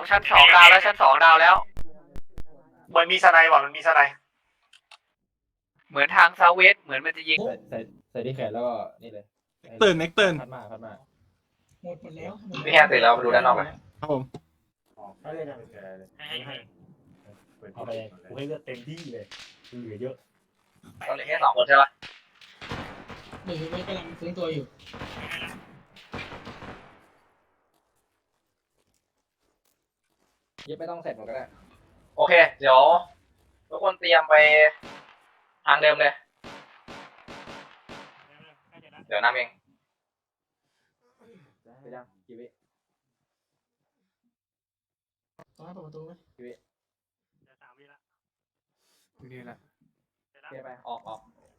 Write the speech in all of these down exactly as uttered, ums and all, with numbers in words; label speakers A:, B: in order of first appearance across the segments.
A: ชั้นสองดาวแล้วชั้นสองดาวแล้ว
B: เหมือนมีสไนด์ว่ะมันมีสไนด์
A: เหมือนทางซาเวสเหมือนมันจะยิง
C: ใส่ใส่ใส่ที่แขนแล้วก็นี่เลย
D: เตือนเน็กเตือน
C: พัดมาพัดมา
E: หมดหมดแล้ว
A: พี่แค่เสร็จแล้วมาดูด้านนอกกัน
D: ครับผม
F: เอาเลยนะเอาไปกูให้เลือดเต็มที่เลยเหลือเยอะ
A: ตอนเหลือแค่สองคนใช่ปะ
E: หรือไม่กำลังฟื้นตัวอยู่
C: เย็บไม่ต้องเสร็จหมดก็ได้
A: โอเคเดี๋ยวทุกคนเตรียมไปทางเดิมเลยเดี๋ยวนำเอง
C: ไปยังกี่วิ
E: ต้องให้เปิดประตูไหม
C: กี่วิ
F: สามวิละ
D: นี่แหละ
C: เทไปออกออก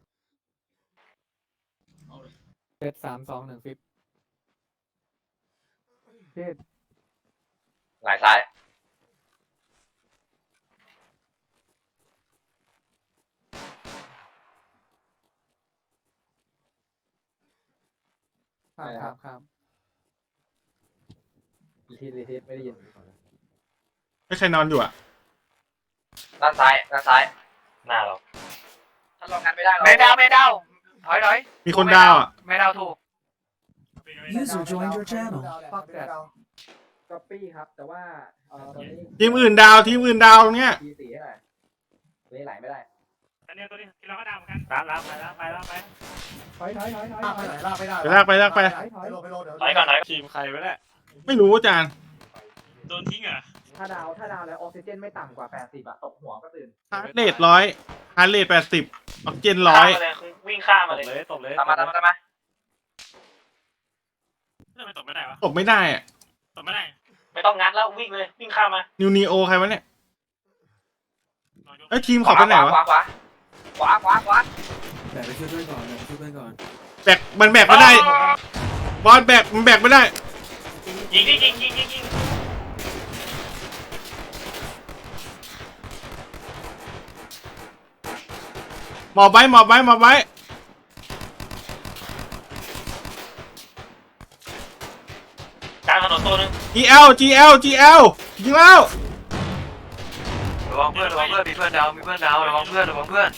E: เอาเลย
D: เซตสามสองหนึ่งฟิปเทศ
A: หลายซ้าย
D: ครับครับครับ
C: อีทีรีทีไม่ได้ยิน
D: ไม่ใครนอนอยู่อ่ะ
A: ด้านซ้ายด้านซ้าย
B: หน้าเรา
A: ถ้าเรากันไม่ได้เรา
G: ไม่ดาวไม่ดาวถอยถอย
D: มีคนดาวอ่ะ
G: ไม่ดาวถูก
H: User joined your channel.
C: ฟักแดดก๊อปปี้ครับ แต่ว่าเอ่อตอนนี้
D: ทีมอื่นดาวทีมอื่นดาวตรงเนี้ย
C: ทีสี่ให้หน่อยเวไหลไม่ได้
F: อันนี้ตัวนี้เราก็ดาวเหมือนกันตามแล้วไปแล้วไปแล้วไป
C: ถอยถอยถอยถอย
H: ลากไปไหนลากไม่ได้
D: ไปลากไปลากไป
C: ถอยถอย
H: ไปโลไปโลเดี๋ยว
B: ถอยก่อนถอย
F: ทีมใครวะเนี่ย
D: ไม่รู้อาจารย์
F: โดนทิ้งเหรอ
C: ถ้าดาวถ้าดาวแล้วออกซิเจนไม่ต่ำกว่าแปดสิบอะตกหัวก็ตื่น
D: ฮาร์ดเรทร้อยฮาร์ดเรทแปดสิบออกซิเจนร้อย
B: ข้ามมาเลยวิ่งข้าม
F: ต
B: มา
F: บ
B: เลย
F: เลยตบเลย
A: ตามมาตามมาตามมา
F: ทำไมตบไม่ได้วะ
D: ตบไม่ได้อ่ะ
F: ตบไม่ได้
B: ไม่ต้องงัดแล้ววิ่งเลยวิ่งข้ามมา
D: นิวนีโอใครวะเนี่ยเอ้ยทีมเขาไปไหนวะ
A: ขวาขวาขวาขวาขวา
H: แบกไปช่วยเพื่อนก่อนแบกไปช่วยเพื่อนก่อน
D: แบกมันแบกไม่ได้บอลแบกมันแบกไม่ได้
B: ยิงดิยิงยิงยิงยิง
D: หมอบไว้หมอบไว้หมอบไว้
B: กลางถนนตัวนึง
D: จี แอล จี แอล จี แอล ยิงแล้ว
G: ระวังเพื่อนระวังเพื่อนมีเพื่อนดาวมีเพื่อนดาวระวังเพื่อนระวังเพื่อน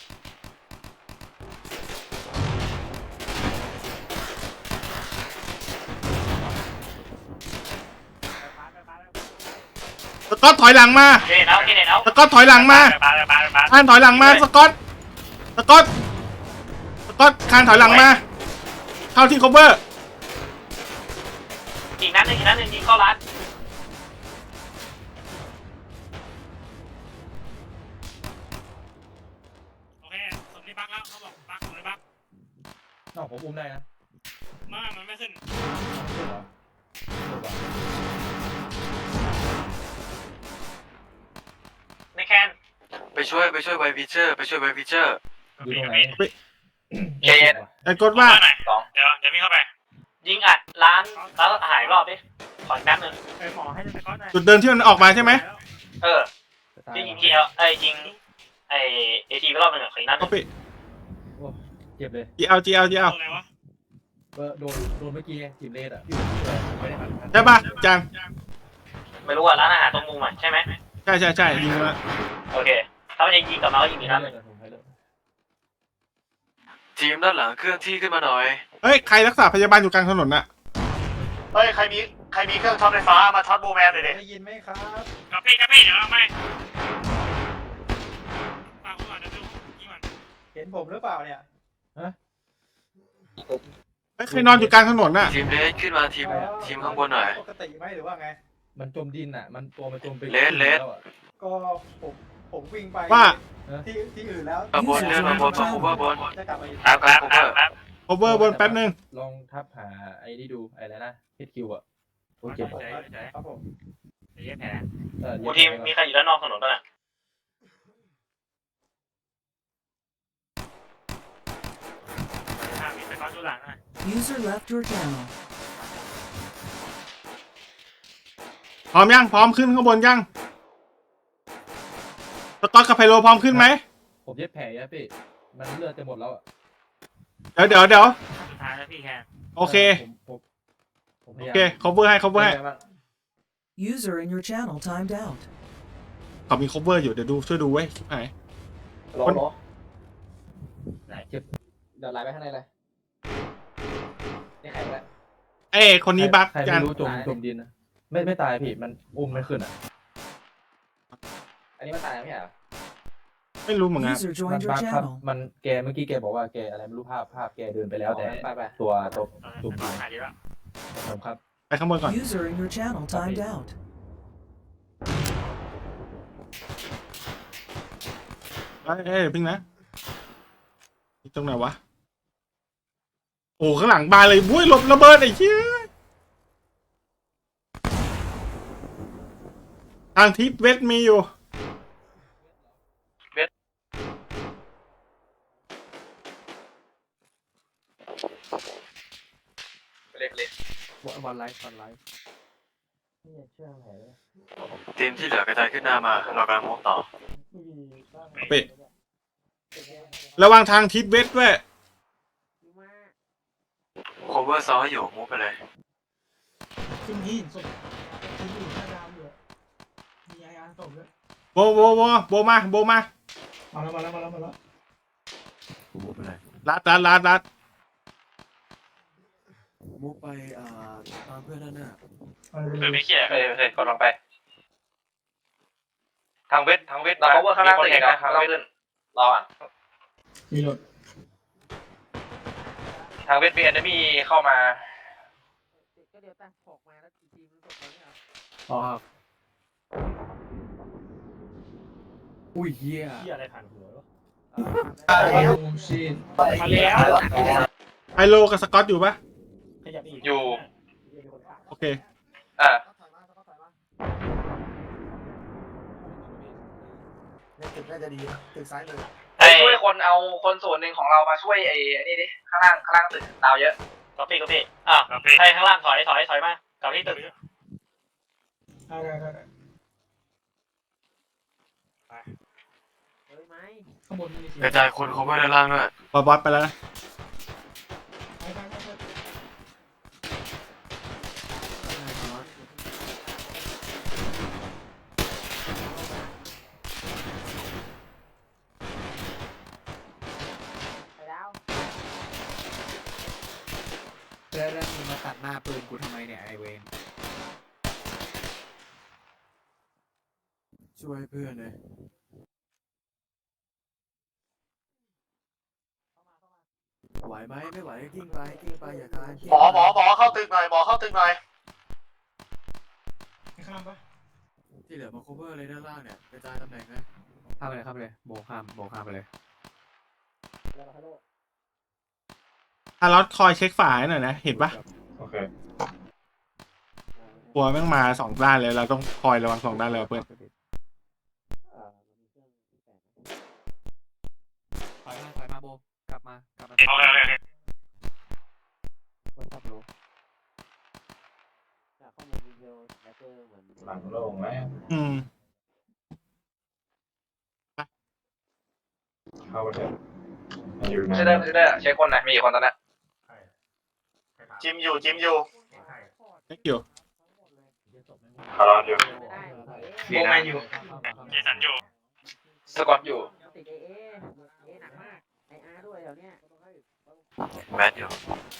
D: สกอตถอยหลังมา
B: เกเนเอาเกเนเอา
D: สกอตถอยหลังมา
F: ไปไปไปไป
D: คานถอยหลังมาสกอตสกอตสกอตคานถอยหลังมาเข้าที่ cover
B: อีกนัดหนึงอีกนัดหนึงยิงเข้าร้าน
F: โอเคสมนี้บักแล้วเขาบอกบักสมนี้บัก
C: นอกผมอุ้มได้นะ
F: มามันไม่ขึ้น
B: ในแคน
G: ไปช่วยไปช่วยไวพิเชอร์ไปช่วยไวพิเชอร์
C: อยู่ตรงไหน
A: เย็น
D: ไอ้กดว่า
B: สอง
F: เดี๋ยวเดี๋ยวมีเข้าไป
B: ยิงอัดร้านร้านอาหารรอบดิขอแป๊บนึง
F: ไอ้หมอให้สก๊อตหน่อย
D: จุดเดินที่มันออกมาใช่ไหม
B: เออยิงยิงเอไอยิงไอเอทีไปรอบนึงอ่ะขออีกนัดห
D: ก็
B: นึ่ง
D: ไป
C: เจ็บเลย
D: จี แอล จี แอล จี แอล
F: อะไรวะ
C: เออโดนโดนเมื่อกี้จิบเลดอะ
D: ใช่ป่ะอาจารย์
B: ไม่รู้อ่ะร้านอาหารตรงมุมอ่ะใช่ไหม
D: ใช่ใช่ใช่ยิงมา
B: โอเคถ้ามันจะยิงกลับมาก็ยิงอีกนัดหนึ่ง
G: ทีมด้านหลังเคลื่อนที่ขึ้นมาหน่อย
D: เฮ้ยใครรักษาพยาบาลอยู่กลางถนนน่ะ
B: เฮ้ยใครมีใครมีเครื่องช็อตไฟฟ้ามาช็อตโบแมนเลยดิ
C: ได้ยินไหมครับ
F: กระปี้กระปี้เดี๋ยวเอาไม่ฟังก่อนเดี๋ยวดูยิงก่อน
C: เห็นผมหรือเปล่าเนี่ย
D: เฮ้ยใครนอนอยู่กลางถนนน่ะ
G: ทีมเลสขึ้นมาทีมทีมข้างบนหน่อย
C: ปกติไหมหรือว่าไง มันจมดินอ่ะ มันตัวมันจมไป
G: เลสเลส
C: ก็ผมผมวิ่งไป
D: ว่า
C: ที่ที่อื่นแล้ว
G: มาบนเลื่อนมาบนมาคูเวอร์บน
C: จะกลับมาอีก
F: แป๊บแป๊บแป๊บแป๊บ
D: cover บนแป๊บนึง
C: ลองทับหาไอ้นี่ดูไอ้อะไรนะฮิตคิวอ่ะโอเคครับผม
F: เดี๋ยวแผล
C: เออ
B: โอ้ทีมมีใครอยู่ด้านนอกถนนบ้างอ่ะ
F: มีสก๊อตดูหลังหน่อย
H: User left your channel.
D: พร้อมยังพร้อมขึ้นข้างบนยังสกอตกับไพโลพร้อมขึ้นไหม
C: ผมเย็บแผลอะพี่มันเลือดจะหมดแล้วอ่ะ
D: เดี๋ยวเดี๋ยวเดี๋ยว
F: สุดท้ายแล้วพี่แคน
D: โอเค
C: ผมผมผมพ
D: โอย
C: ายาม
D: เค cover ให้ cover ให้
C: เป็นไงบ้าง
H: User in your channel timed out.
D: เขามี cover อยู่เดี๋ยวดูช่วยดูไว้ชิบหาย
A: โหลโหล
C: ไหนเก็บเดี๋ยวไลน์ไปข้างในเลย
A: นี่ใครวะ
D: เอ้ยคนนี้บั๊ก
C: ใคร
D: กั
C: ไม่
D: น
C: รู้จมจมดินนะไม่ไม่ตายพี่มันอุ้มไม่ขึ้นอ่ะ
A: อันนี้มันตายแล้วไม่ใช่เหรอ
D: ไม่รู้เหมือนกัน
H: User
C: มัน
H: joined your
C: บั๊กครับ
H: channel.
C: มันแกเมื่อกี้แกบอกว่าแกอะไรไม่รู้ภาพภาพแกเดินไปแล้วแต่
A: ไปไป
C: ตัวตัว
F: เออ
C: ตุ่ม
F: ขายดีแล้ว
C: ผมครับ
D: ไปข้างบนก่อน
H: User in your channel timed out.
D: เอ้ยเอ้ยพิงนะนี่ตรงไหนวะโอ้ข้างหลังบานเลยบุ้ยหลบระเบิดไอ้เหี้ยทางทิศเวสมีอยู่
A: เล็กเล็ก
C: วันไลฟ์วันไลฟ์
G: ทีมที่เหลือกระจายขึ้นหน้ามาเรากำลังมุ่งต่อ
D: เป็ดระวังทางทิศเวสด้วย
G: โคเวอร์ซอให้อยู่มุ่งไปเลย
E: ขึ้นที่ศพที่อยู่หน้าดาวอยู่มีไออาร์ศพด้วย
D: โบโบโบโบมาโบมา
E: มาแล้วมาแล้วมาแล้วมาแล้ว
G: มุ่งไปเลย
D: ลัดลัดลัดลัด
H: มุกไปอ่าตามเพื่อนด้านหน้า
B: คือไม่เคลียร์
A: เฮ้ยเฮ้ยกดลงไป
B: ทางเวททางเวท
A: เรา cover ข้างล่างตึก
B: เห็
A: อี
B: น
A: ก
B: นะ
A: นะ
B: ทาง
A: เรา
B: เวท
A: ขึ้นรออ่ะ
E: มีรถ
B: ทางเวทมีแอนมี่เข้ามา
C: อ๋อครับอุ้ยเหี้ย
F: ที่อะไรผ่านหัววะ
E: โอ้ชิน
F: มาแล้ว
D: ไฮโลกับสกอตอยู่ปะ
F: ขยับอีก
B: อยู่
D: โอเค
B: อ่า
A: ไอ้ช่วยคนเอาคนส่วนหนึ่งของเรามาช่วยไอ้ไอ้นี่ดิข้างล่างข้างล่างตึกดาวเยอะ
B: ก๊อปปี้ก๊อปปี้อ่ะให้ข้างล่างถอยถอยถอยมากับที่ตึก
E: ได้ได้ได้ข้างบนมีเสียง
G: กระจายคนโคเวอร์ด้านล่างด้วย
D: บอสบอสไปแล้วนะ
E: ไปไปไปไป
H: แล้วแล้วมึงมาตัดหน้าปืนกูทำไมเนี่ยไอเวนช่วยเพื่อนเลยไหวไหมไม่ไหวกิ้งไปกิ้งไปอย่าคานกิ้ง
G: หมอหมอหมอเข้าตึกหน่อยหมอเข้าตึกหน่อย
E: ให้ข้ามปะ
H: ที่เหลือมา cover เลยด้านล่างเนี่ยกระจายตำแหน่งนะ
C: ข้ามไปเลยข้ามไปเลยโบข้ามโบข้ามไปเลย
D: อารอดคอยเช็คฝาให้หน่อยนะ เห็นปะ
A: โอเค
D: กลัวแม่งมาสองด้านเลยเราต้องคอยระวังสองด้านเลยเพื่อน
C: ถอยมาถอยมาโบกลับมากลับมา
F: โอเคโอเคโอเค
C: คนขับรู้
A: หลังโล่งไหม
D: อืม
A: เข้าไปเถอะไม่ได้ไม่ได้เช็คคนหน่อยมีกี่คนตอนนี้
B: จิมอยู่จิมอยู่
D: เช็คอยู่
A: คารอนอยู่
B: โบแมนอยู่
F: เจสันอยู่
A: สกอตอยู่
G: แมทอยู่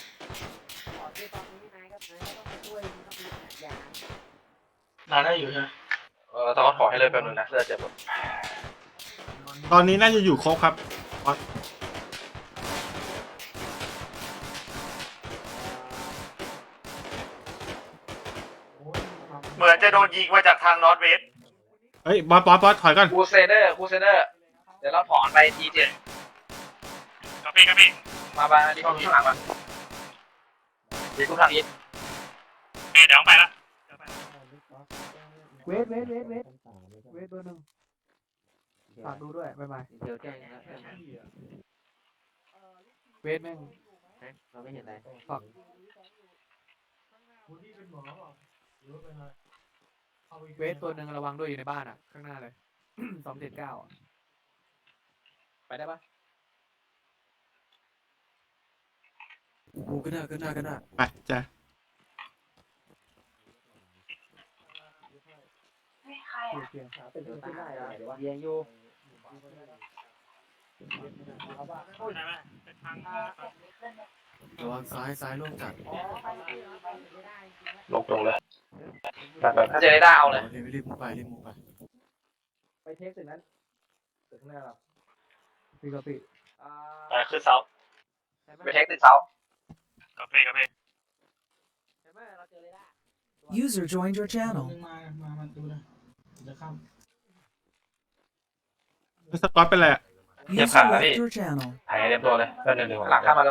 B: นานได้อยู่ใช่ไหมเออสกอตขอให้เลยแป๊บนึงนะเลือดเจ็บ
D: ตอนนี้น่าจะอยู่ครบครับบอส
B: เหมือนจะโดนยิงมาจากทางนอร์ทเวส
D: เฮ้ยบอสบอสบอสถอยก่อน
A: คูเซเดอร์คูเซเดอร์เดี๋ยวเราถอนไปทีเจ็ด
F: ก๊อปปี้ก๊อปปี้
A: มาบ้านที่ห้องข้างหลังมาดีทุกทางอีท
F: เดี๋ยวไปละ
C: เวทเวทเวทเวทเวทเบอร์หนึ่งฝากดูด้วยบ๊ายบายเดี๋ยวแจ้งนะเวทแม่งเราไม่เห็นอะไรฝาก
E: คุณที่เป็นหมอเปล่าหรือว่าเป็นอะไรเอาอีก
C: เวทตัวหนึ่งระวังด้วยอยู่ในบ้านอ่ะข้างหน้าเลย สองเจ็ดเก้าไปได้ปะ
H: กูขึ้นหน้าขึ้นหน้าขึ้นหน้า
D: ไปจ้ะ
C: เสียงขาเป็นตัวตายแล้วเดี๋ยวเยียงอยู่
F: ได้ไหมเป็นทาง
H: ระวังซ้ายซ้ายโล่งจัด
A: ลงตรงเลยแบบแบบถ้าเจอได้เอาเลย
H: รีบรีบมุกไปรีบมุกไป
C: ไปเทคตึกนั้นตึกข้างหน้าเราพี่กะปิอ่า
B: ไปขึ้นเสา
A: ไปเทคตึกเสาก
F: าแฟกาแฟ
C: ใช่ไหมเราเจอเลยได้
I: User joined your
E: ห
I: channel.
E: นึ่งมามามันดูนะจะข้าม
D: สกอตเป็นไรอะ
I: User left your channel.
A: ถ่ายเต็มตัวเลยเพื่อนหนึ่งหลังข้ามมาแล้ว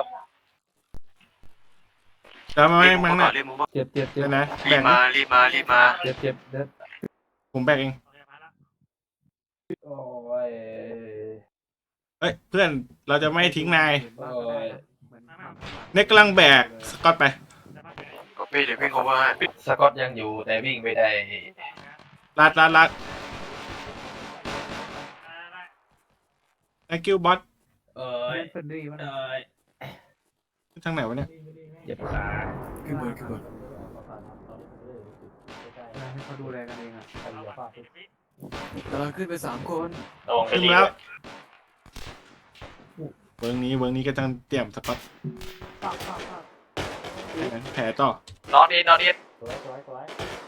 D: แล้วไม่
G: รีบ
D: ไม่
G: มุก
D: ไม่
G: ก่อนรีบมุกก่อน
C: เจ็บเจ็บเจ็บ
D: เดี๋ยวนะ
G: รี
D: แบ่
G: บ
D: ง
G: มารีบมารีบมา
C: เจ็บเจ็บเด็ด
D: ผมแบ่งเอง
F: โอเคมาแล้ว
C: โอ้ย
D: เอ้ยเพื่อนเราจะไม่ทิ้งนาย
C: โอ้ย
D: เน็กกำลังแบกสกอตไป
F: ได้ปะ
G: ก็พี่เดี๋ยวพี่ cover ให้
A: สกอตยังอยู่แต่วิ่งไปได้
D: ลัดลัดลัด
F: ได้
D: thank you bot
C: เอ้ยเป็นดีมันเอ้ย
D: ทางไหนวะเนี่ย
C: เจ็บขา
H: ขึ้นบนขึ้นบน
C: ให้เขาดูแลกันเองอ่ะ
F: เอาบัตรสิบวิ
H: กำลังขึ้นไปสามคน
B: ระวังไป
D: ขึ้น
B: ดี
D: แล้วเวิร์กนี้เวิร์กนี้ก็ต้องเตรียมสกอตแผลต่อน
A: อตอีทนอตอีท
C: สวยสวยสวย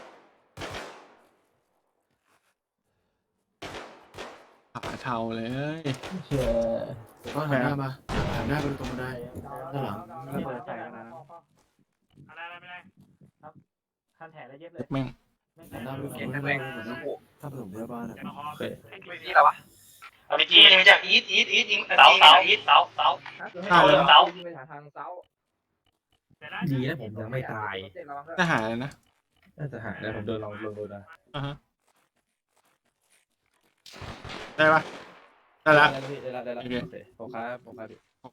D: ขาเทาเลย
C: เชื่อ
H: ก็หันหน้ามาหันหน้าไปตรงบันไดด้านหลัง
C: ระเบิดใส่กันนะ
F: อะไรอะไรไม่ได้
C: ขั้นแถแล้วเย็บเลย
D: แม่ง
H: หันหน้าไปฝั่งนู้นไปฝั่งนู้นถ้าผสมเรือบ้านอะ
F: เดี๋ยวมาคอ
A: นี่อะไรวะ
B: เอาไปจี
A: ยิงจากอีทอีทอีทยิง
B: เสาเสาอีทเสาเสา
D: ฆ่าเลย
B: เสา
C: ไปหาทางเสา
F: ดีนะผมยังไม่ตาย
D: ทหารเลยนะ
C: น่าจะหาแล้วผมเดินลองลงดูนะ
D: อ่าฮะได้ปะได้ละ
C: ได้แล้วได้แล้วได้แล้วผมครับผมครับ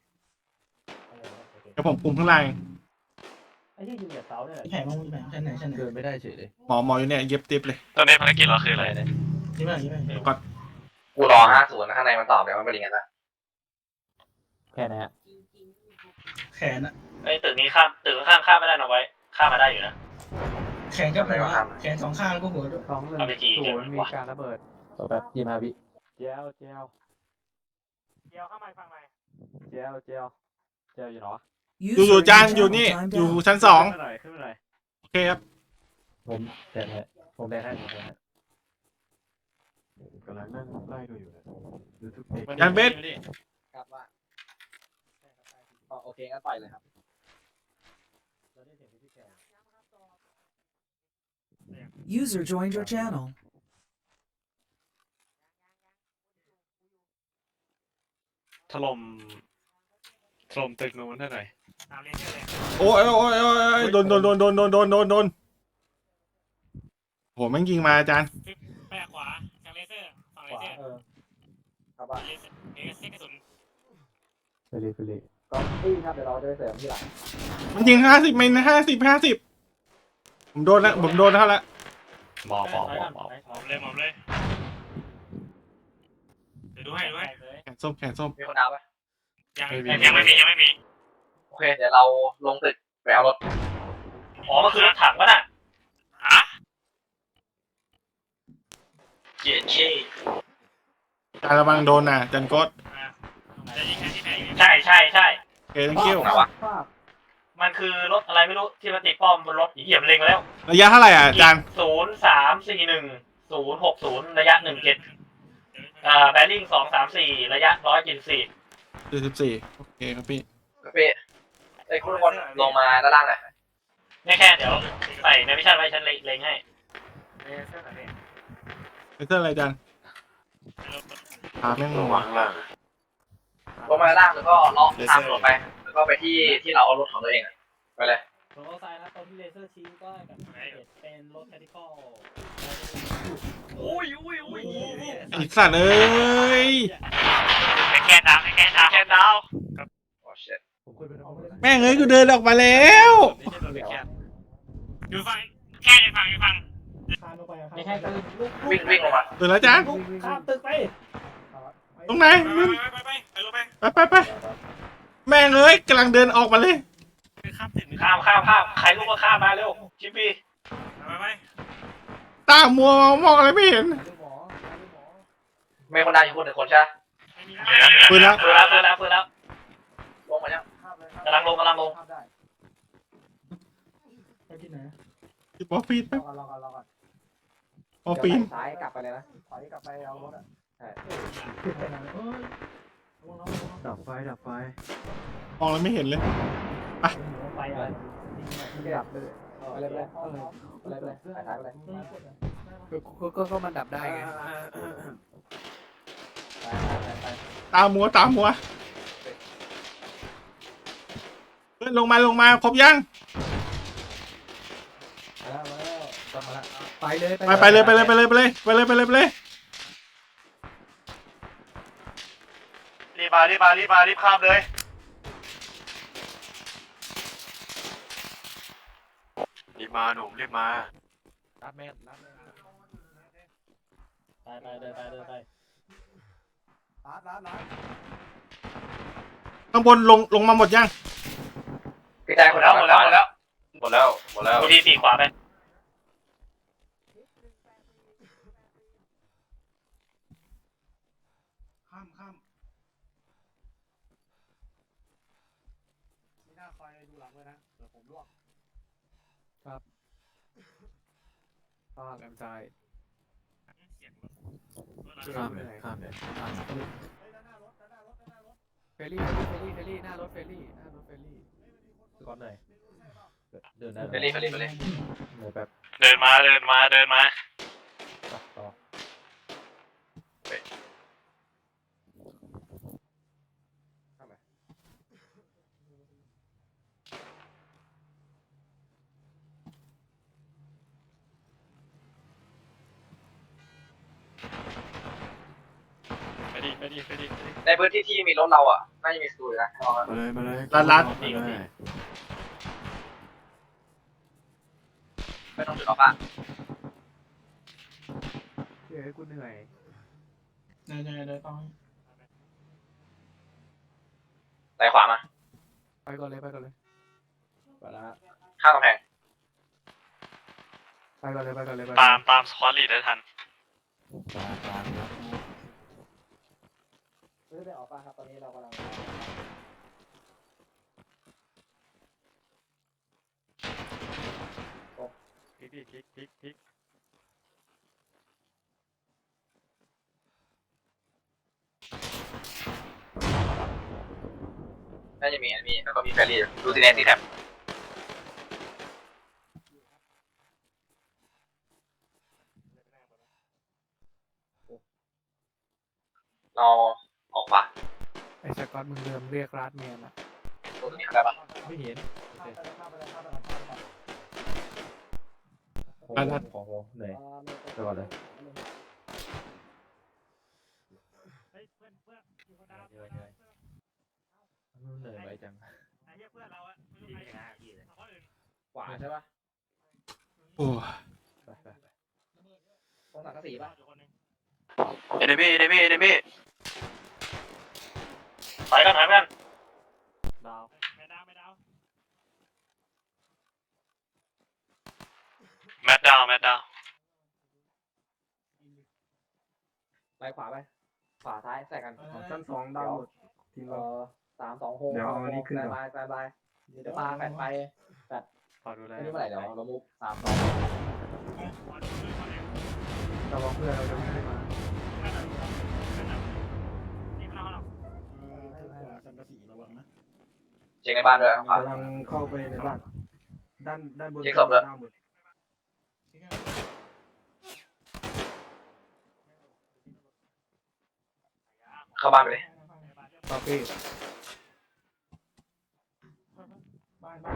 D: เดี๋ยวผมปุ่มข้างล่างเอง
C: ไอ้ที่ยิงจากเสาเนี่ย
E: แผลมองแผลชั้นไหนชั้นไหน
C: เดินไม่ได้เฉยเลย
D: หมอหมออยู่เนี่ยเย็บติ๊บเลย
G: ตอนนี้ภารกิจเราคืออะไร
E: ใช่ไหมใช่ไหม
D: สกอต
A: กูรอห้าศูนย์ข้างในมันตอบเดี๋ยวมันเป็นยังไงบ้าง
C: แค่นี้
E: แขนอะ
B: ไอ้ตึกนี้ข้ามตึกข้างข้ามไม่ได้นะไว้ข้ามมาได้อยู่นะ
E: แขนก็หัวแขนสองข้างแล้วก็หัวด้วย
C: สองหนึ่งศูนย์มีการระเบิดต่อแบบยี่มาวิเจลเจล
F: เดี๋ยวเข้ามาฟังใหม่
C: เจลเจลเจลอยู่เนาะ
D: อยู่อยู่
I: User
D: จาน
I: in
D: อยู่
I: your
D: นี่
I: channel
D: อยู่
I: timed out.
D: ชั้นสอง
C: ขึ้นหน่อยขึ้นหน่อย
D: โอเคครับ
C: ผมแดงให้ผมแดงให้ผมแดงให้
H: กำลังนั่งไล่ดูอยู่นะดูทุกเพจ
D: ยันเบส
C: ครับว่าโอเคงั้นปล่อยเลยครับ
I: User joined your channel.
G: ถล่มถล่มตึกนู้นให้หน่อย
F: ตามเรียนเยอะเลย
D: โอ้ยโอ้ยโอ้ยโอ้ยโดนโดนโดนโดนโดนโดนโดนโดนโหแม่งยิงมาอาจารย์
F: ไปขวาทางเลเซอร์ฝั่งเล
C: ขวา
F: เซอร์
C: เออครับว่า
F: เลเซอร์เลเซอร์กระสุน
C: ไปเลยไปเลยก็พี่ครับเดี๋ยวเราจะไปเสริมที่หลัง
D: มันยิงห้าสิบเมนห้าสิบห้าสิบผมโดนแล้วผมโดนแล้วละ
G: หมอหมอหมอหมอ
F: หมอบเลยหมอบเลยเดี๋ยวดูให้ดูให้
D: แขนส้มแขนส้ม
A: มีคนเอาปะ
F: ยังยังไม่มียังไม่มี
A: โอเคเดี๋ยวเราลงตึกไปเอารถ
B: อ๋อมันคือรถถังป่ะน่ะ
F: ฮะ
B: เจ๊เช่
D: การระวังโดนนะจันโกด
F: จะยิงแค่ที่ไหนอยู่
B: ใช่ใช่ใช่
D: โอเค thank you
A: ไหนวะ
B: มันคือรถอะไรไม่รู้ที่มันติดป้อมบนรถเหยียบเล็งมาแล้ว
D: ระยะเท่าไหร่อ่ะอาจารย์
B: ศูนย์สามสี่หนึ่งศูนย์หกศูนย์ระยะหนึ่งเจ็ดอ่าแบริ่งสองสามสี่ระยะร้อยเจ็ดสี่
D: สี่สิบสี่โอเคครับพี่
A: เป้ไอ้คุณคนลงมาด้านล่างหน่อย
B: ไม่แค่เดี๋ยวใส่ในวิชั่นไว้ฉันเล็งให้
C: เลเซอร์ไหนเนี่ย
D: เลเซอร์อะไรอาจารย์พาแม่งล
G: ระ
D: ง
G: วั
D: วะ
G: งล่าง
A: ลงมาด้านล่างแล้วก็ล็อกตามรถไปแล้วก็ไปที่ที่เราเอารถของตัวเองอะไปเลย
J: ตรงโอไซด์นะตรงที่เลเซอร์ชี้ก็กับเป็นรถแคทิคอล
B: อุ้ยอุ้ยอุ้ย
D: ไอ้สัตว์เอ้ย
F: ให้แค่ดาวให้แค่ดาวแค่ดาว
A: โอ้ shit
C: ผมคุยไปน้องเลย
D: แม่งเอ้ยกูเดินออกมาแล้ว
F: อยู่ฝั่งแค่อยู่ฝั่งอยู่ฝั่ง
E: คานลงไปอะ
J: ไม่ใช่คือลูก
A: วิ่งวิ่งลงมา
D: เดินแล้วอาจารย์
J: ข้ามตึกไป
D: ตรงไหน
F: ไปไปไปไปไปลงไป
D: ไปไปไปแม่งเอ้ยกำลังเดินออกมาเลย
F: ข้ามตึก
B: ข้ามข้ามข้ามใครลูกก็ข้ามมาเร็วชิปปี้
F: ไปไป
D: ตามัวมองอะไรไม่เห็น
J: ดูหมอดูหมอ
A: ไม่คนดาวอยู่คนหนึ่งคนใช่ไหม
F: ไม่มี
D: ปืนแล้ว
B: เปิดแล้วเปิดแล้วเปิดแล้ว
A: ลงมายัง
J: ข้ามเลย
B: กำลังลงกำลังลง
J: ข้ามได้
E: ไปที่ไหน
D: ที่ปอปีน
J: รอก่อนรอก่อนรอก่อน
D: ปอปีน
J: ซ้ายกลับไปเลยนะถอยกลับไปเอารถอ่ะใช่
E: ไปไหนเอ้ยระวังระวังระวัง
H: ดับไฟดับไฟ
D: มองอะไรไม่เห็นเลย
J: ไปเลยไม่ดับเลยไปเลยไปเลยไปเลยไปเลยไปเลยไปเลย
E: เออกดอ่ะได้ปะ
C: ก็ก็ก็ก็มันดับได้ไง
J: ไปไปไป
D: ตามัวตามัวเพื่อนลงมาลงมาครบยัง
J: มาแล้วมาแล้วกลับมาแล้ว
C: ไปเลย
D: ไปไปเลยไปเลยไปเลยไปเลยไปเลยไปเลยไปเลย
F: รีบมารีบมารีบมารีบข้ามเลย
G: รีบมาหนุ่มรีบมา
C: รับแม่รับ
J: ไปไปเดินไปเดินไปร้านร้านร้าน
D: ข้างบนลงลงมาหมดยัง
A: กระจาย
B: ห
A: ค
B: ม
A: น
B: ดแล้วหมดแล้วหมดแล้ว
A: หมดแล้วหมดแล้ว
B: ตัวทีสี่ขวาไป
E: ข้ามข้าม
J: มีหน้าคอยดูหลังเลยนะเดี๋ยวผมลวก
C: ข้างแอมใจ
H: ข้ามเลยข้ามเลยข้าม
C: เฟรลี่เฟรลี่เฟรลี่หน้ารถเฟรลี่หน้ารถเฟรลี่
J: ก่อนหน่อยเดินได้
A: ไปรีบไปรีบไปรีบ
J: หมูแบบ
F: เดินมาเดินมาเดินมา
J: ต่อ
G: ไปดิไปดิไปดิไปดิ
A: ในพื้นที่ที่มีรถเราอ่ะน่าจะมีสตูอยู่นะลองนะ
H: มาเลยมาเลย
D: รัดรัด
H: มาเลย
A: ไม่ต้องจุดออกอ่ะ
C: เฮ้ยกูเหนื่อย
E: เดินเดินเดินต้อง
A: ไหลขวามา
C: ไปก่อนเลยไปก่อนเลย
J: ไปละ
A: ข้างกำแพง
C: ไปก่อนเลยไปก่อนเลยไป
F: ตามตามสควอตลีดได้ทัน
H: กลางกลางครับ
J: ไม่ได้ออกป่ะครับตอนนี้เรากำลัง
G: พลิกดิพลิกพลิกพลิก
A: น่าจะมีอันนี้แล้วก็มีแฟรี่ดูซีเนสซีแท็บเราออกขวา
C: ไอ้สกอตมึงเริ่มเรียกรัดเมียนอ่ะ
A: ตรงนี้ได้ปะ
J: ไม่เห็น
D: รัดรัด
J: ของผมเหนื่อยไปก่อนเลย
F: เฮ้ยเพื่อนเพื่อนอยู่คนดาว
J: เหนื่อยเหนื่อยเหนื่อยไปจัง
F: ไอ้เหี้ยเพื่อนเราอะไม่รู้ใครเอาคนอื่น
J: ขวาใช่ปะ
D: โอ้
J: ไปไปไปตรงสังกะสีปะ
F: อยู่คนหนึ่ง
G: เอเดมี่เอเดมี่เอเดมี่
B: ถอยกันถอยกัน
J: ดาว
F: ไม่ดาวไม่ดาว
G: แมตดาวแมตดาว
J: ไปขวาไปขวาซ้ายใส่กัน
H: ชั้นสองดาวหมดทีม
J: เอ
H: เรา
J: อสามสองหก
H: เดี๋ยวเอาอันนี้ขึ้นก่อน
J: บายบายบายเดี๋ยวปลาแปดไปแปด
G: ขอดูแล
J: ไม่รู้เมื่อไหร่เดี๋ยวเรามุกสามสอง
F: ขอดูเลยขอดู
H: ระวังเพื่อนเราจะวิ่งขึ้นมา
F: นี่มันเอาเรา
E: สังกะสีระวังนะ
A: เช็คในบ้านด้วยขวาก
H: ำลังเข้าไปในบ้านด้านด้านบน
A: เช็คศพด้วย
H: ดาวหมด
A: เข้าบ้านไปเลย
C: ต่อพี่
E: บ้านบ้าน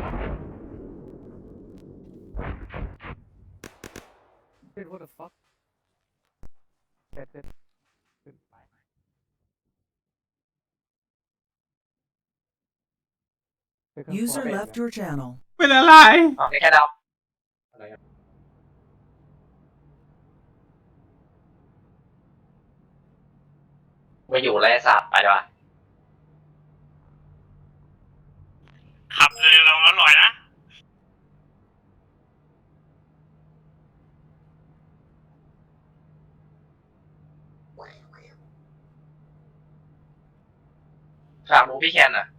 C: เฮ้ย what the fuck เด็ดเด็ดขึ้นไป
I: User left your channel.
D: เป็นอะไร
A: อ๋อแค่ดาว
J: อะไรกัน
A: ไม่อยู่แล้วไอ้สัตว์ไปดีกว่า
F: ขับเร็วเราอร่อยนะ
A: ฝากดูพี่แคนอ่ะ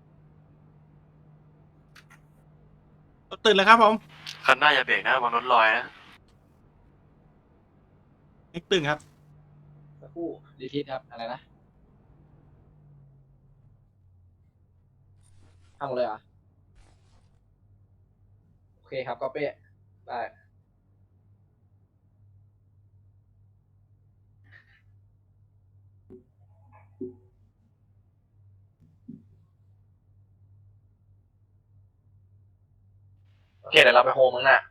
D: ตื่นเลยครับผม
G: คันหน้าอย่าเบรกนะวางรถลอยนะ
D: เอ็กตื่นครับ
J: สักครู่ดีทิศครับอะไรนะทำหมดเลยเหรอโอเคครับก็เป๊ะได้
A: โอเคเดี๋ยวเราไปโฮมมึงน่ะ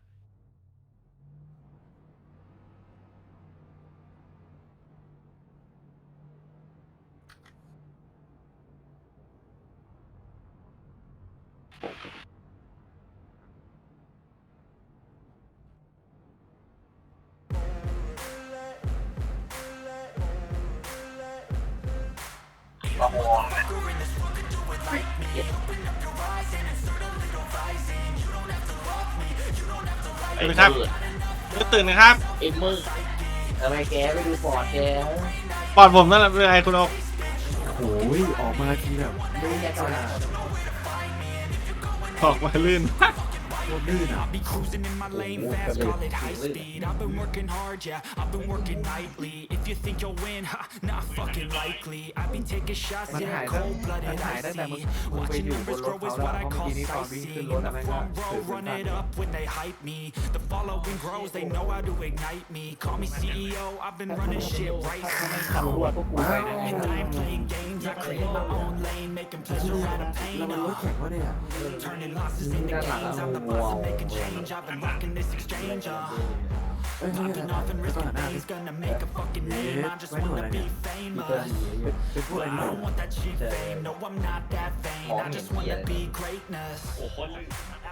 A: เราโฮมเนี่ย
D: ตื่นครับตื่นนะครับ
J: เอ็มมึงทำไมแกไม่ดูปอดแก
D: ปอดผมนั่นแหละเป็นไงคุณโอ๊ค
H: โอ้ยออกมาทีแบบ
J: ไม่แกก่อนนะ
D: ออกมาลื่น
H: โคตรลื่นอ่ะ
I: Be cruising in my lane fast, call it high speed. I've been working hard, yeah, I've been working nightly. If you think you'll win, ha, not fucking likely. I've been taking shots,
C: มัน
I: yeah,
C: หายตั้ง
I: cold
C: มัน
I: blooded,
C: หาย
I: I
C: ตั้งแต่มึง
I: see.
C: มึงไป
I: Watching
C: อยู่บ
I: numbers
C: นรถ
I: grow
C: เขา
I: is
C: แล้ว
I: what I
C: เพราะเมื่อ
I: call
C: กี้นี้ตอนวิ่งขึ้น
I: sightseeing.
C: รถ
I: In
C: แล้ว
I: the
C: แม่งก็
I: front
C: ถือ
I: row,
C: ปืน
I: run
C: สั้น
I: it up when they hype me. The following grows, they know how to ignite me. Call me C E O, I've been running shit right.
J: ขับรถพวกกูไปนะ
I: And I ain't playing games, I create my own lane, making pleasure out of
H: แล้ว
I: pain.
H: มันรถ
I: Uh,
H: แข่งวะเนี่ย
I: turning losses into gains, I'm the boss of making change. I've been rocking this exchange. Uh,
H: เอ้ยเฮ้ย
I: popping
H: นะ
I: off and
H: ไม่ต้อง
I: risking
H: หันหน้า
I: things, gonna make a fucking
H: เอ๊
I: name.
H: ะ
I: I just
H: ไม่ดูอะไร
I: wanna
H: เนี่
I: be
H: ย
I: famous.
H: เป็นพวกไอ้
I: I
H: นี่
I: don't want that cheap fame, no I'm not that vain. I just wanna be greatness.
F: โอ้โหคนลื่น